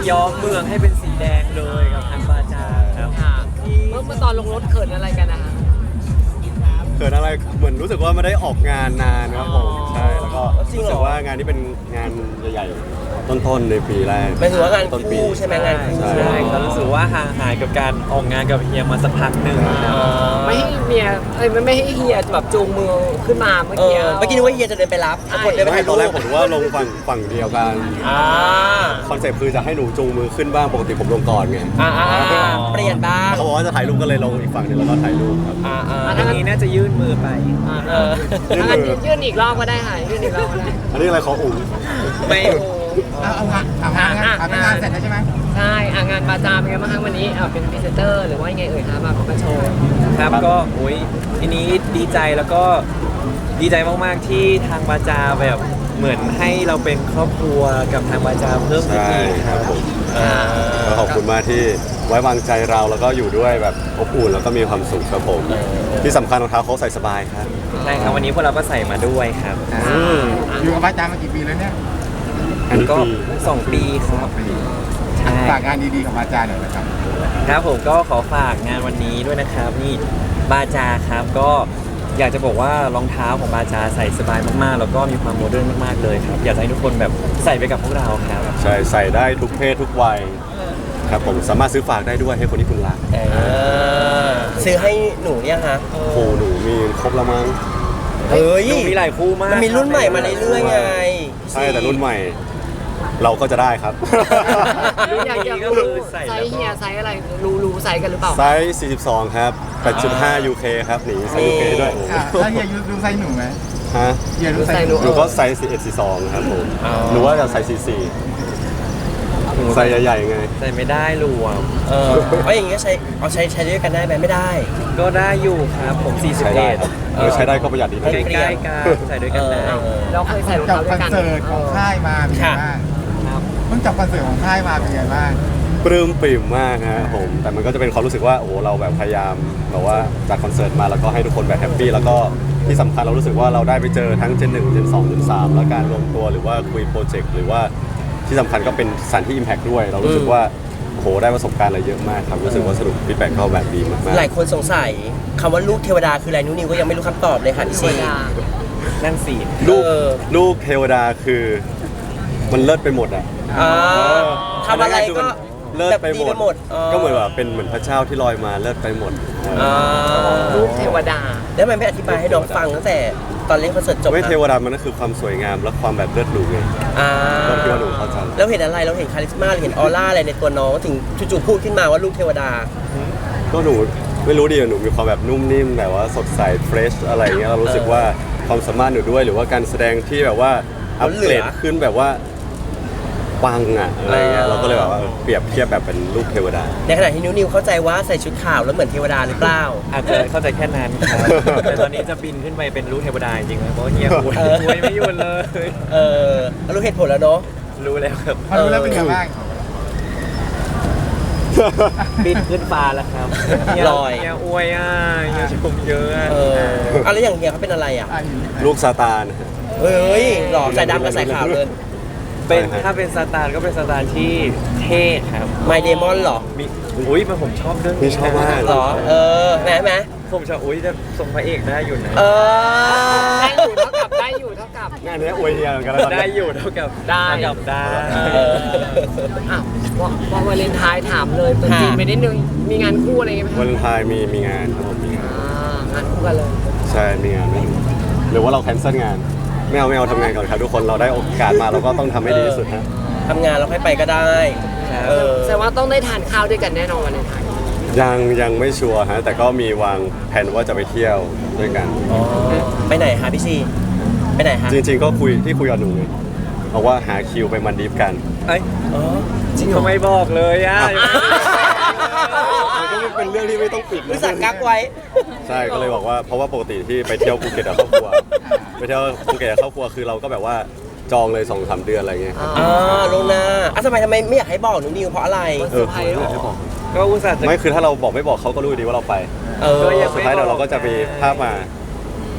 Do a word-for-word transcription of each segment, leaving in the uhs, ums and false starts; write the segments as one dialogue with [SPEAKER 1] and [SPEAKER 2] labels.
[SPEAKER 1] ย้อมเมืองให้เป็นสีแดงเลยกับทางบาจาครับ
[SPEAKER 2] ค่ะเมื่อเมื่อตอนลงรถเขินอะไรกันนะคะ
[SPEAKER 3] เกิดอะไรเหมือนรู้สึกว่าไม่ได้ออกงานนานครับผมใช่แล้วก็รู้สึกว่างานนี้เป็นงานใหญ่ๆต้นๆในปีแรก
[SPEAKER 4] หมายถึงว่างาน
[SPEAKER 3] ต้นปี
[SPEAKER 4] คู่ใช่ไหมงานคู่
[SPEAKER 3] ใช่
[SPEAKER 1] ใช่ก็รู้สึกว่าห่างหายกับการออกงานกับเฮียมาสักพักหนึ่งครับ
[SPEAKER 2] ไม่ให้เมียเอ้ยไม่ไม่ให้เฮียแบบจูงมือขึ้นมาเมื่อ
[SPEAKER 4] เอ
[SPEAKER 2] กี้
[SPEAKER 4] อเมื่อกี้นึกว่าเฮียจะเดินไปรับปรากฏเดินไป
[SPEAKER 3] ไม่
[SPEAKER 4] ถ่าย
[SPEAKER 3] ต
[SPEAKER 4] รู
[SPEAKER 3] อนแรก
[SPEAKER 4] ป
[SPEAKER 3] ผมนึกว่าลงฝั่งฝั่งเดียวกัน
[SPEAKER 4] อ่า
[SPEAKER 3] คอนเซ็ปต์คือจะให้หนูจูงมือขึ้นบ้างปกติผมลงก่อนไง
[SPEAKER 4] อ่าอ่าอ่าเปลี่ยนบ้าง
[SPEAKER 3] เขาบอกว่าจะถ่ายรูปก็เลยลงอีกฝั่งหนึงแล้วก็ถ่ายรูปครับ
[SPEAKER 4] อ่าอ่า
[SPEAKER 1] อันนี้น่าจะยื่นมือไป
[SPEAKER 2] อ่า
[SPEAKER 4] เออ
[SPEAKER 2] ถ้างั้นยื่นอีกรอบก็ได้ค่ะยื่นอีกรอบก็ได้
[SPEAKER 3] อันนี้อะไรขออุ่ม
[SPEAKER 1] ไม่
[SPEAKER 5] เอาเอางานเอางานงานเอางานเสร็จแล้วใช่ไหม
[SPEAKER 2] ใช่อ่ะงานบาจาเป็นไงบ้างคะวันนี้อ่ะเป็นพรีเซนเตอร์หรือว่ายังไงเอ่ยคะมามาโชว์
[SPEAKER 1] ครับก็โอ้ยทีนี้ดีใจแล้วก็ดีใจมากๆที่ทางบาจาแบบเหมือนให้เราเป็นครอบครัวกับทางบาจาเพิ่มขึ้น
[SPEAKER 3] ใช่
[SPEAKER 1] อีก
[SPEAKER 3] ค
[SPEAKER 1] ค
[SPEAKER 3] รั
[SPEAKER 1] รั
[SPEAKER 3] บบ ผมก็ขอบคุณมากที่ไว้วางใจเราแล้วก็อยู่ด้วยแบบอบอุ่นแล้วก็มีความสุขครับผมที่สำคัญรองเท้าเขาใส่สบายครับ
[SPEAKER 1] ใช่ครับวันนี้พวกเราก็ใส่มาด้วยครับ
[SPEAKER 5] อยู่กับบ้านจามากี่ปีแล้วเนี่ย
[SPEAKER 3] อันนี้
[SPEAKER 1] ก็
[SPEAKER 3] ปี
[SPEAKER 1] สองปีครับใช่
[SPEAKER 5] ฝากงานดีๆกับบ้านจาหน่อยนะครับ
[SPEAKER 1] ครับผมก็ขอฝากงานวันนี้ด้วยนะครับนี่บาจาครับก็อยากจะบอกว่ารองเท้าของบาจาใส่สบายมากๆ แล้วก็มีความโมเดิร์นมากๆเลยครับอยากจะให้ทุกคนแบบใส่ไปกับพวกเราครับ
[SPEAKER 3] ใช่ใส่ได้ทุกเพศทุกวัยครับผมสามารถซื้อฝากได้ด้วยให้คนที่คุณรัก
[SPEAKER 4] เออซื้อให้หนูเนี่ยฮะ
[SPEAKER 3] โอ้โหหนูมีครบแล้วมั้ง
[SPEAKER 4] เฮ้ย
[SPEAKER 1] ดูมีหลายคู่มาก
[SPEAKER 4] มันมีรุ่นใหม่มาเรื่อยๆไง
[SPEAKER 3] ใช่แต่รุ่นใหม่ เราก็จะได้ครับ
[SPEAKER 2] รู้อยากอยากรู้ไซส์เฮียไซส์อะไรรู้รู้ไซส์กันหรือเปล่า
[SPEAKER 3] ไซส์สี่สิบสองครับแปดจุดห้า ยู เค ครับหนีไซส์ ยู เค ด้วย
[SPEAKER 5] อ่ะแล้วเฮียยูดูไซส์หนูไหม
[SPEAKER 3] ฮะ
[SPEAKER 5] เฮียดูไซส์หนู
[SPEAKER 3] หนูก็ไซส์สี่สิบเอ็ด สี่สิบสองครับผมหนูว่าจะไซส์สี่สิบสี่ไซส์ใหญ่ๆไง
[SPEAKER 1] ใส่ไม่ได้รวม
[SPEAKER 4] เออเอาอย่างงี้ก็ใช้เอาใช้ใช้ด้วยกันได้ไหมไม่ได้
[SPEAKER 1] ก็ได้อยู่ครับผมสี่สิบ
[SPEAKER 3] ใช้ได้
[SPEAKER 1] เอ็ด
[SPEAKER 3] ครับเออใช้ได้ก็ประหยัดดีนะ
[SPEAKER 1] ใกล้ๆกันใส่ด้วยกันได้
[SPEAKER 4] เออ
[SPEAKER 2] เราเคยใส่รอง
[SPEAKER 5] จับ
[SPEAKER 2] เท้าด้
[SPEAKER 5] ค
[SPEAKER 2] ว
[SPEAKER 5] อย น
[SPEAKER 2] กัน
[SPEAKER 5] เสิร์ตของค่ายมาเป็นไง
[SPEAKER 4] ค่ะ
[SPEAKER 5] บ้าง
[SPEAKER 1] ครับ
[SPEAKER 5] เพิ่งจับคอนเสิร์ตของค่ายมาเป็นไงบ้าง
[SPEAKER 3] ปลื้มปริ่มมากฮะผมแต่มันก็จะเป็นความรู้สึกว่าโอ้โหเราแบบพยายามแบบว่าจัดคอนเสิร์ตมาแล้วก็ให้ทุกคนแบบแฮปปี้แล้วก็ที่สำคัญเรารู้สึกว่าเราได้ไปเจอทั้งเจนหนึ่งเจนสองเจนสามแล้วการรวมตัวหรือว่าคุยโปรเจกต์หรือว่าที่สำคัญก็เป็นสถานที่ Impact ด้วย เรารู้สึกว่าโอ้โหได้ประสบการณ์อะไรเยอะมากครับรู้สึกว่าสนุกฟีดแบ็กเข้าแบบดีมาก
[SPEAKER 4] หลายคนสงสัยคำว่าลูกเทวดาคืออะไรนุ้นิวก็ยังไม่รู้คำตอบเลยค่ะพี่ซี
[SPEAKER 1] นั่นสิ
[SPEAKER 3] ๆลูก
[SPEAKER 4] เออ
[SPEAKER 3] ลูกเทวดาคือมันเลิศไปหมดอ่ะ
[SPEAKER 4] อ่าทำอะไรก็
[SPEAKER 3] เลิศไปหม
[SPEAKER 4] แบบ
[SPEAKER 3] ด
[SPEAKER 4] หมดอ๋อ
[SPEAKER 3] ก็เหมือนแบบเป็นเหมือนพระเจ้าที่ลอยมาเลิศไปหมด
[SPEAKER 4] อ่า
[SPEAKER 2] รูปเทวดา
[SPEAKER 4] แล้วทำไมไม่อธิบายให้น้องฟังตั้งแต่ตอนเล่นคอนเสิร์ตจบ
[SPEAKER 3] ไม่
[SPEAKER 4] อะ
[SPEAKER 3] เทวดามันก็คือความสวยงามและความแบบเลิศหรูไง
[SPEAKER 4] อ่า
[SPEAKER 3] ก็คิดว่าหนูเข้าใจ
[SPEAKER 4] แล้วเห็นอะไรเราเห็นคาลิสมาเราเห็นออร่าอะไรในตัวน้องถึงจู่ๆพูดขึ้นมาว่าลูกเทวดา
[SPEAKER 3] ก็หนูไม่รู้ดิหนูมีความแบบนุ่มนิ่มแบบว่าสดใสเฟรชอะไรเงี้ยเรารู้สึกว่าความสามารถหนูด้วยหรือว่าการแสดงที่แบบว่าอัปเกรดขึ้นแบบว่าปังอะอะไรเงี้ย
[SPEAKER 4] เออ
[SPEAKER 3] เราก็เลยแบบว่าเปรียบเทียบแบบเป็นลูกเทวดา
[SPEAKER 4] ในขณะที่นิวนิวเข้าใจว่าใส่ชุดขาวแล้วเหมือนเทวดาหรือเปล่า
[SPEAKER 1] อาจจะเข้าใจแค่นั้นครับแต่ตอนนี้จะบินขึ้นไปเป็นลูกเทวดาจริงๆนะเพราะว่าเฮียอวย
[SPEAKER 4] เออ
[SPEAKER 1] อวยไม่หยุดเลย
[SPEAKER 4] เออรู้เหตุผลแล้วเนาะ
[SPEAKER 1] รู้แล้วครับ
[SPEAKER 5] พอรู้แล้วเป็นไงบ้าง
[SPEAKER 1] บินขึ้นฟ้าแล้วครับเฮีย
[SPEAKER 4] ลอย
[SPEAKER 1] เฮียอวยอ่ะเฮียชมเยอะอะ
[SPEAKER 4] เออเอาแล้วอย่างเฮียเขาเป็นอะไรอ่ะ
[SPEAKER 5] อ่ะอยู่
[SPEAKER 3] ลูกซาตาน
[SPEAKER 4] เฮ้ยหล่อใส่ดำกับใส่ขาวเลย
[SPEAKER 1] เป็นถ้าเป็นซาตานก็เป็นซาตานที่เท่ครับ
[SPEAKER 4] ไมเดมอนหรอ
[SPEAKER 1] มีอุ้ยมันผมชอบเรื่อง
[SPEAKER 3] นี่
[SPEAKER 1] นี้
[SPEAKER 3] ชอบมาก
[SPEAKER 4] หรอ เออแหมแหม
[SPEAKER 1] ผมชอบอุ้ยจะส่งพระเอกได้อยู่นะ
[SPEAKER 4] เออ
[SPEAKER 2] ได้อยู่เท่ากับได้อยู่เท่ากับ
[SPEAKER 3] งานนี้อวยเฮียเหมือนกันแล้วตอน
[SPEAKER 1] ได้
[SPEAKER 3] นี้
[SPEAKER 1] อยู่เท่ากับ
[SPEAKER 2] ได้
[SPEAKER 1] เท่ากับได้
[SPEAKER 4] เออ
[SPEAKER 2] อ้าวว่าว่าวาเลนไทน์ถามเลยตัวจริง
[SPEAKER 4] ค่ะ
[SPEAKER 2] ไปนิดนึงมีงานคู่อะไรไหม
[SPEAKER 3] วั
[SPEAKER 2] คะ
[SPEAKER 3] นไทายมีมีงานครับผมมีงาน
[SPEAKER 2] อ่างานคู่กันเลย
[SPEAKER 3] ใช่มีงานไม่รู้หรือว่าเราแคนเซิลงานไม่เอาไม่เอาทำงานก่อนครับทุกคนเราได้โอกาสมาเราก็ต้องทำให้ดีที่สุดฮะ
[SPEAKER 4] ทำงานแล้วค่อยไปก็ได้ เออ
[SPEAKER 2] แสดงว่าต้องได้ทานข้าวด้วยกันแน่นอนวาเลนไทน์
[SPEAKER 3] ยังยังไม่ชัวร์ฮะแต่ก็มีวางแผนว่าจะไปเที่ยวด้วยกัน
[SPEAKER 4] อ๋อ ไปไหนคะพี่ซีไปไหนคะ
[SPEAKER 3] จริงๆก็คุยที่คุยกับหนูไงบอกว่าหาคิวไปมันดีฟกัน
[SPEAKER 1] เอ้ย
[SPEAKER 4] อ๋อ
[SPEAKER 1] จริงทำไมบอกเลยอ่ะ
[SPEAKER 3] มันก็ไม่เป็นเรื่องที่ไม่ต้องปิด
[SPEAKER 4] รู้สักกักไว้
[SPEAKER 3] ใช่ก็เลยบอกว่าเพราะว่าปกติที่ไปเที่ยวภูเก็ตกับครอบครัวไปเที่ยวภูเก็ตกับครอบครัวคือเราก็แบบว่าจองเลยสองสามเดือนอะไรเงี้ย
[SPEAKER 4] อ่าลวงหน้าอ่ะทำไมทำไมไม่อยากให้บอกหนูนิวเพราะอะไร
[SPEAKER 3] เออคือไม่อยากให้บอก
[SPEAKER 1] ก็อุตส่าห์จะ
[SPEAKER 3] ไม่คือถ้าเราบอกไม่บอกเขาก็รู้ดีว่าเราไป
[SPEAKER 4] เออ
[SPEAKER 1] ก็ยัง
[SPEAKER 3] สุดท้ายเดี๋ยวเราก็จะมีภาพมา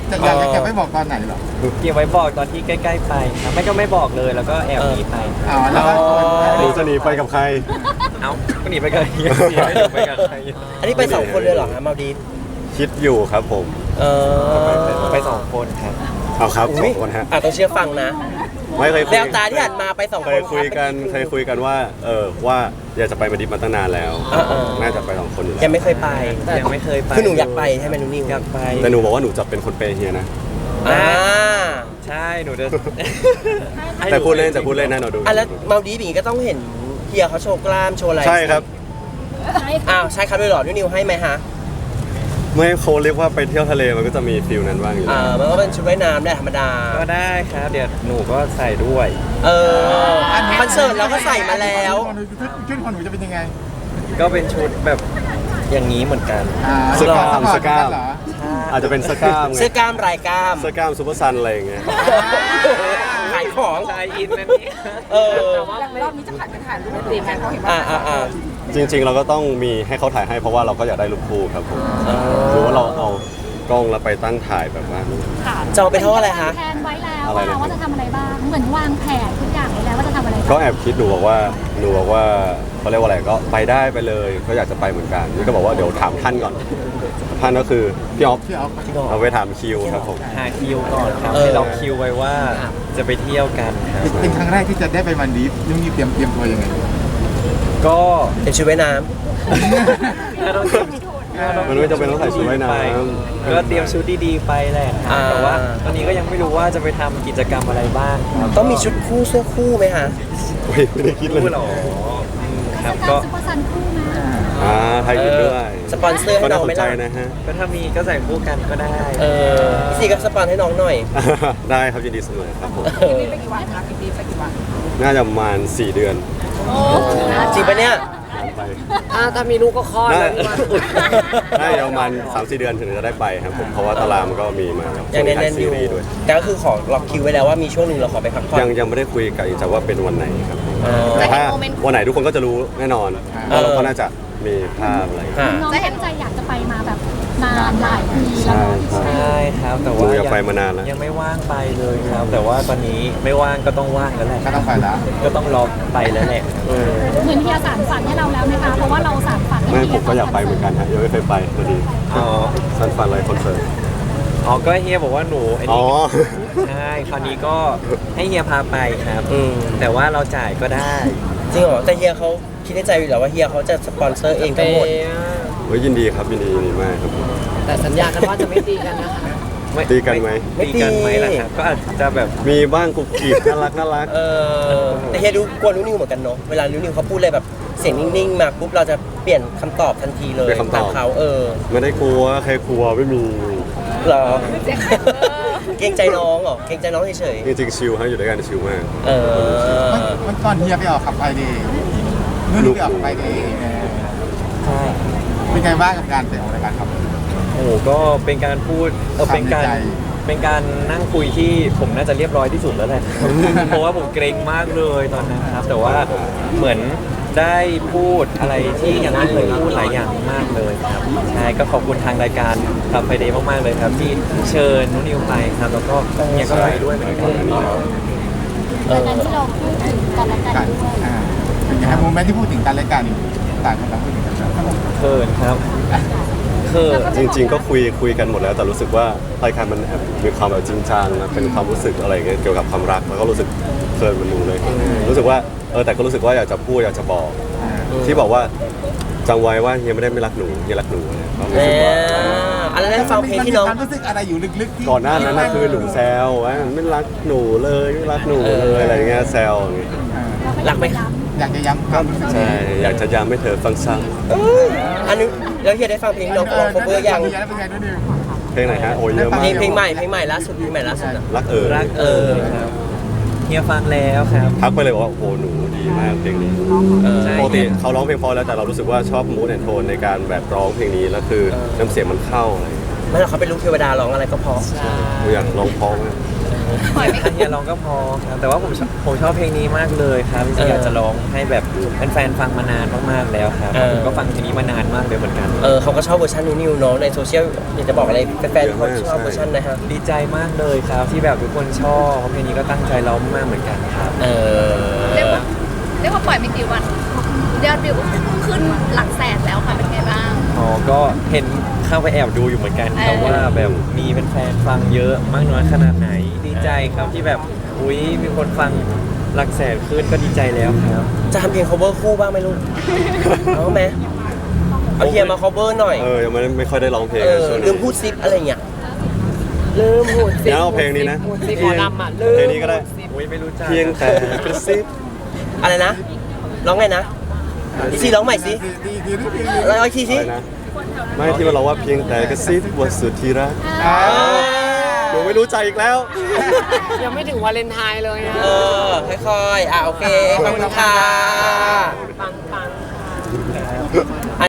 [SPEAKER 5] จะอยากจะเก็บไว้บอกตอนไหนเหรอ
[SPEAKER 1] เก็บไว้บอกตอนที่ใกล้ๆไปครับไม่ก็ไม่บอกเลยแล้วก็แอบหนีไป
[SPEAKER 5] อ๋อแล้วก็
[SPEAKER 3] หนูจะหนีไปกับใคร
[SPEAKER 1] เอ้าก็หนีไปกับเฮียเฮียไม่หนีไปกับใคร
[SPEAKER 4] อันนี้ไปสองคนเลยเหรอฮะมาดีฟ
[SPEAKER 3] คิดอยู่ครับผม
[SPEAKER 4] เออ
[SPEAKER 1] ไปสองคนครับ
[SPEAKER 3] เอาครับส
[SPEAKER 4] อุ๊
[SPEAKER 3] อย งคนฮะ
[SPEAKER 4] อ่ะต้องเชื่อฟังนะ
[SPEAKER 3] ไม่เคยคุ
[SPEAKER 4] แวย วตาที่หันมาไปสอง
[SPEAKER 3] เค
[SPEAKER 4] คน
[SPEAKER 3] ยคุยกันเคยคุยกันว่า เออว่าอยากจะไปมาดิฟมาตั้งนานแล้ว
[SPEAKER 4] เออเออ
[SPEAKER 3] น่าจะไปสองคนอยู่แล้ว
[SPEAKER 4] ยังไม่เคยไป
[SPEAKER 1] ยังไม่เคยไป
[SPEAKER 4] คือหนูอยากไปใช่ไหมหนูนิว
[SPEAKER 1] อยากไป
[SPEAKER 3] แต่หนูบอกว่าหนูจะเป็นคนเปย์เฮียนะ
[SPEAKER 4] อ่า
[SPEAKER 1] ใช่หนูจะ
[SPEAKER 3] แต่พูดเล่นแต่พูดเล่นนะหนูดู
[SPEAKER 4] อ่ะแล้วมาดีฟอย่างงี้ก็ต้องเห็นเฮียเขาโชว์กล้ามโชว์อะไร
[SPEAKER 3] ใช่ครับ
[SPEAKER 4] อ้าวใช่ครับด้วยเหรอหนูนิวให้ไหมฮะ
[SPEAKER 3] ไม่เขาเรียกว่าไปเที่ยวทะเลมันก็จะมีฟิลนั้นบ้างอยู่
[SPEAKER 4] อ่า
[SPEAKER 3] แล้ว
[SPEAKER 4] มันก็เป็นชุดว่ายน้ำแหละธรรมดา
[SPEAKER 1] ก็ได้ครับ เดี๋ยวหนูก็ใส่ด้วย
[SPEAKER 4] เออคอนเสิร์ตเราก็ใส่มาแล้ว
[SPEAKER 5] ชุดของหนูจะเป็นยังไง
[SPEAKER 1] ก็เป็นชุดแบบอย่างนี้เหมือนกัน
[SPEAKER 5] อ่า
[SPEAKER 3] สกามสกาม
[SPEAKER 5] เหรอ
[SPEAKER 3] อาจจะเป็นสกามไง
[SPEAKER 4] เสื้อกล้ามลายกล้าม
[SPEAKER 3] สกามซูเปอร์ซันอะไรอย่างเงี้ย
[SPEAKER 4] ขายของ
[SPEAKER 1] ชายอินนั่นนี่
[SPEAKER 4] เออ
[SPEAKER 6] รอบนี้จะผัดกันถ่ายรูปตีกันเขาเห็น
[SPEAKER 4] อ่า
[SPEAKER 6] ว่า
[SPEAKER 4] อ่าอ่า
[SPEAKER 3] จริง ๆ เราก็ต้องมีให้เขาถ่ายให้เพราะว่าเราก็อยากได้รูปคู่ครับผมหรือว่าเราเอากล้องแล้วไปตั้งถ่ายแบบว่า
[SPEAKER 4] จองไปเท่าอะไรคะ
[SPEAKER 7] แผนไว้แล้ว
[SPEAKER 3] อะไรนะ
[SPEAKER 7] ว่าจะทำอะไรบ้าง เหมือนวางแผนทุกอย่างไว้แล้วว่าจะทำอะไร
[SPEAKER 3] ก็
[SPEAKER 7] บ้าง
[SPEAKER 3] แอบคิดหนูบอกว่าหนูบอกว่าเขาเรียกว่าอะไรก็ไปได้ไปเลยก็อยากจะไปเหมือนกันนี่ก็บอกว่าเดี๋ยวถามท่านก่อนท่านก็คือพี่ออฟ
[SPEAKER 5] พี่ออฟ
[SPEAKER 3] เอาไปถามคิวครับผม
[SPEAKER 1] หาคิวก่อนครับ
[SPEAKER 4] เออ
[SPEAKER 1] ให้ล็อกคิวไว้ว่าจะไปเที่ยวกันครับ
[SPEAKER 5] เป็นครั้งแรกที่จะได้ไปมันดีฟนุ่งนี่เตรียมเตรียมตัวยังไง
[SPEAKER 1] ก็
[SPEAKER 4] เป็นชุดว่ายน้
[SPEAKER 1] ถ้าต้อง
[SPEAKER 3] มันไม่จำเป็นต้องใส่ชุดว่ายน้
[SPEAKER 1] ก็เตรียมชุดดีๆไปแหละครับแต่ว่าตอนนี้ก็ยังไม่รู้ว่าจะไปทำกิจกรรมอะไรบ้างครับ
[SPEAKER 4] ำต้องมีชุดคู่เสื้อคู่ไหมคะ
[SPEAKER 3] ำโอ้ยไม่ได้คิดเลย
[SPEAKER 1] รู้หรออืมครับ
[SPEAKER 7] ก็
[SPEAKER 1] ก็
[SPEAKER 7] ซุปเปอร์ซันคู่นะ
[SPEAKER 3] อ่าไทยอินด้วย
[SPEAKER 4] สปอนเซอร์ให้
[SPEAKER 3] ก็
[SPEAKER 4] น้
[SPEAKER 3] น่า
[SPEAKER 4] อง
[SPEAKER 3] สน
[SPEAKER 4] ไหม
[SPEAKER 3] ใจ
[SPEAKER 4] ล่ะ
[SPEAKER 3] นะฮะ
[SPEAKER 1] ก็ถ้ามีก็ใส่คู่กันก็ได้
[SPEAKER 4] เออพี่ซีก็สปอนให้น้องหน่อย
[SPEAKER 3] ได้ครับยินดีเสมอครับผม
[SPEAKER 4] เออ
[SPEAKER 6] ไปกี่วันคะพี่ตีไปกี่วัน
[SPEAKER 3] น่าจะประมาณสี่เดือน
[SPEAKER 4] จริงปะเนี่ย
[SPEAKER 3] ไป
[SPEAKER 2] ถ้าถ้ามีลูกก็คลอด
[SPEAKER 3] น่า
[SPEAKER 2] เลยพี่ว่า
[SPEAKER 3] น่าจะประมาณสามสี่เดือนถึงจะได้ไปครับผมเพราะว่าตารางมันก็มีมาครับ
[SPEAKER 4] ยัง
[SPEAKER 3] ถ่า
[SPEAKER 4] แน่
[SPEAKER 3] ย
[SPEAKER 4] นๆอ
[SPEAKER 3] ซี
[SPEAKER 4] ยู่
[SPEAKER 3] รีส์ด้วย
[SPEAKER 4] แต่ก็คือขอล็อกคิวไว้แล้วว่ามีช่วงหนึ่งเราขอไปพักผ่อน
[SPEAKER 3] ยังยังไม่ได้คุยกับอีกแต่ว่าเป็นวันไหนครับ
[SPEAKER 4] อ๋อ
[SPEAKER 3] แต่ถ้าวันไหนทุกคนก็จะรู้แน่นอน
[SPEAKER 4] เออ
[SPEAKER 3] เราก็น่าจะมีภาพอะไร
[SPEAKER 4] ค่ะ
[SPEAKER 7] น้องตั้งใจอยากจะไปมาแบบนานหลายปีแล้ว
[SPEAKER 3] ใช่
[SPEAKER 7] เนาะ
[SPEAKER 3] ใช่
[SPEAKER 1] ใช่ครับแต่
[SPEAKER 3] หนู
[SPEAKER 1] ว่า
[SPEAKER 3] อยากไปมานานแล้ว
[SPEAKER 1] ยังไม่ว่างไปเลยครับ แต่ว่าตอนนี้ไม่ว่างก็ต้องว่างแล้วแหละ
[SPEAKER 5] ก็ต้องไปแล้ว
[SPEAKER 1] ก็ต้องรอไปแล้วแหละ
[SPEAKER 7] เหมือนเฮียสารฝันให้เราแล้วไหมคะ เพราะว่าเราสารฝันให้
[SPEAKER 3] ไม่
[SPEAKER 7] เฮี
[SPEAKER 3] ผมก็อยากไปเหมือนกันฮะยังไม่เคยไปพอดี
[SPEAKER 1] อ๋อ
[SPEAKER 3] ซันฟันไลฟ์คอนเสิร์ต
[SPEAKER 1] อ๋อก็เฮียบอกว่าหนูไอ้
[SPEAKER 3] อ๋อ
[SPEAKER 1] นี่ใช่คราวนี้ก็ให้เฮียพาไปครับ
[SPEAKER 4] อืม
[SPEAKER 1] แต่ว่าเราจ่ายก็ได้
[SPEAKER 4] จริงเหรอแต่เฮียเขาคิดในใจอยู่แล้วว่าเฮียเขาจะสปอนเซอร์เองทั้งหมด
[SPEAKER 3] เฮ้ยยินดีครับยินดียินดีมากครับผม
[SPEAKER 2] แต่สัญญากันว่าจะไม่ตีกันนะคะ
[SPEAKER 3] ตีกันไหม
[SPEAKER 4] ไม่
[SPEAKER 1] ตีกันไหม
[SPEAKER 4] ตี
[SPEAKER 1] ล่ะครับก็อาจจะแบบ
[SPEAKER 3] มีบ้างกุบกีบน่ารักน่ารัก
[SPEAKER 4] เออแต่เฮียดูกลัวนุ้นิวเหมือนกันเนาะเวลานุ้นิวเขาพูดอะไรแบบเสียงนิ่งๆมาปุ๊บเราจะเปลี่ยนคำตอบทันทีเลย
[SPEAKER 3] เปลี่ยนคำตอบ
[SPEAKER 4] ตามเขาเออ
[SPEAKER 3] ไม่ได้กลัวใครกลัวไม่มี
[SPEAKER 4] เหรอ เกรงใจน้องเหรอเกรงใจน้องเฉย
[SPEAKER 3] จริงๆชิลฮะอยู่ด้วยกันชิลมาก
[SPEAKER 4] ๆเออ
[SPEAKER 5] มันมันตอนเฮียไปออกขับไปดีนุ่นนี่ไปออกขับไปดี
[SPEAKER 1] ใช่
[SPEAKER 5] เป็นไงบ้างกับการไปออกรายการครับ
[SPEAKER 1] โอ้โหก็เป็นการพูดเออเป็นการ
[SPEAKER 5] ความในใจ
[SPEAKER 1] เป็นการนั่งคุยที่ผมน่าจะเรียบร้อยที่สุดแล้วแหละ เพราะว่าผมเกรงมากเลยตอนนั้นครับ แต่ว่าเหมือนได้พูดอะไรที่ยังไม่เคยพูดหลายอย่างมากเลยครับใช่ก็ขอบคุณทางรายการขับไฟเดย์มากๆเลยครับ ที่เชิญนุนิวไปครับแล้วก็เนี่ยก็ไปด้วยเหมือนกัน
[SPEAKER 7] ดังนั้นที่เราพูดถึงกันและกัน
[SPEAKER 5] การ
[SPEAKER 7] ด้วย
[SPEAKER 5] อ่าเป็นไงโมเมนต์ที่พูดถึงกันและกันต่างคนต่างพูดถึงกันแล้ว
[SPEAKER 1] เขินครับเขิน
[SPEAKER 3] จริง ๆ ก็คุยคุยกันหมดแล้ว แต่รู้สึกว่ารายการมันแอบมีความแบบจริงจังนะเป็นความรู้สึกอะไรเงี้ยเกี่ยวกับความรักแล้วก็รู้สึกเคินมันหนูเลย รู้สึกว่าเออแต่ก็รู้สึกว่าอยากจะพูดอยากจะบอก ที่บอกว่าจำไว้ว่าเฮียไม่ได้ไม่รักหนูเฮียรักหนูเนี่ยก็รู้
[SPEAKER 4] เอ
[SPEAKER 3] สึกว่า
[SPEAKER 4] ออันนั้นได้ฟังเพลงที่น้อง
[SPEAKER 5] ความรู้สึกอะไรอยู่ลึกๆที่
[SPEAKER 3] ก่อนหน้านั้นนะคือหนูแซวว่าไม่รักหนูเลยไม่รักหนูเลยอะไรเงี้ยแซวอย่างเงี้ย
[SPEAKER 5] อ่า
[SPEAKER 4] รักไหม
[SPEAKER 5] อยากจะย้ำความรู้สึก
[SPEAKER 3] ใช่อยากจะย้ำให้เธอฟังซ้
[SPEAKER 4] อันนี้แล้วเฮียได้ฟังเพลงที่น้องร้อง cover ยัง
[SPEAKER 5] เป็นไงเป็นไงด้วยนิว
[SPEAKER 3] ำเพลงไหนฮะโอ้ยเยอะมาก
[SPEAKER 4] เพลงเพลงใหม่เพลงใหม่ล่าสุดเพลงใหม่ล่าสุดอะ
[SPEAKER 3] รักเออ
[SPEAKER 1] รักเออครับเฮียฟังแล้วครับ
[SPEAKER 3] ทักไปเลยบอกว่าโอ้โหหนูดีมากเพลงนี้
[SPEAKER 4] เออ
[SPEAKER 1] ใช่
[SPEAKER 3] ปกติเขาร้องเพลงเพอแล้วแต่เรารู้สึกว่าชอบมูดแอนโทนในการแบบร้องเพลงนี้แล้วคือน้ำเสียงมันเข้าอะไรอย่างเงี้ย
[SPEAKER 4] ไม่หรอกเขาเป็นลูกเทวดาร้องอะไรก็เพอ
[SPEAKER 3] ผมอยากลองพองนะ
[SPEAKER 7] ปล่อยไม่
[SPEAKER 1] เฮียร้องก็พอครับแต่ว่าผมชอบผมชอบเพลงนี้มากเลยครับจริงๆอยากจะร้องให้แบบแฟนๆฟังมานานมากๆแล้วครับผมก็ฟังเพลงนี้มานานมากเลยเหมือนกัน
[SPEAKER 4] เออเขาก็ชอบเวอร์ชันนิวๆเนาะในโซเชียลอยากจะบอกอะไรแฟนๆเขาชอบเวอร์ชันนะฮะ
[SPEAKER 1] ดีใจมากเลยครับที่แบบทุกคนชอบเพราะเพลงนี้ก็ตั้งใจร้องมากเหมือนกันครับ
[SPEAKER 4] เออ
[SPEAKER 7] เรียกว่าเรียกว่าปล่อยไม่กี่วันยอดวิวก็ขึ้นหลักแสนแล้วค่ะเป็นไงบ้าง
[SPEAKER 1] อ๋อก็เห็นเข้าไปแอบดูอยู่เหมือนกันครับ
[SPEAKER 7] เออ
[SPEAKER 1] ว่าแบบมีแฟนๆฟังเยอะมากน้อยขนาดไหน ดีใจครับที่แบบอุ้ยมีคนฟังหลักแสนขึ้นก็ดีใจแล้วครับ
[SPEAKER 4] จะทำเพลง cover คู่บ้างไหมลูก เอาไหมเอาเฮียมา cover หน่อย
[SPEAKER 3] เออยังไม่ไม่ค่อยได้ร้องเพลง
[SPEAKER 4] เออ
[SPEAKER 3] ช่วง
[SPEAKER 4] ลืมพูดซิปอะไรเงี้ย
[SPEAKER 2] ลืมหูดซิ
[SPEAKER 3] เดี๋ยวเอาเพลงนี้นะ
[SPEAKER 2] หูดซิหมอลำอ่ะลืม
[SPEAKER 3] เพลงนี้ก็ได้
[SPEAKER 1] อุ้ยไม่รู้จัก
[SPEAKER 3] เพียงแต่กระซิบ
[SPEAKER 4] อะไรนะ ร้องไงนะอีซีร้องใหม่สิ
[SPEAKER 5] ดีดีดีดี
[SPEAKER 4] ร้องอีกที
[SPEAKER 3] อะ
[SPEAKER 4] สิ
[SPEAKER 3] ไรนะไม่ที่มันร้องว่าเพียงแต่กระซิบว่าสุดที่รักหนูไม่รู้ใจอีกแล้ว
[SPEAKER 2] ยังไม่ถึงวาเลนไทน์เลยนะ
[SPEAKER 4] เออ ค่อยๆ อ่ะ โอเค ขอบคุณค่ะ
[SPEAKER 2] ปังปัง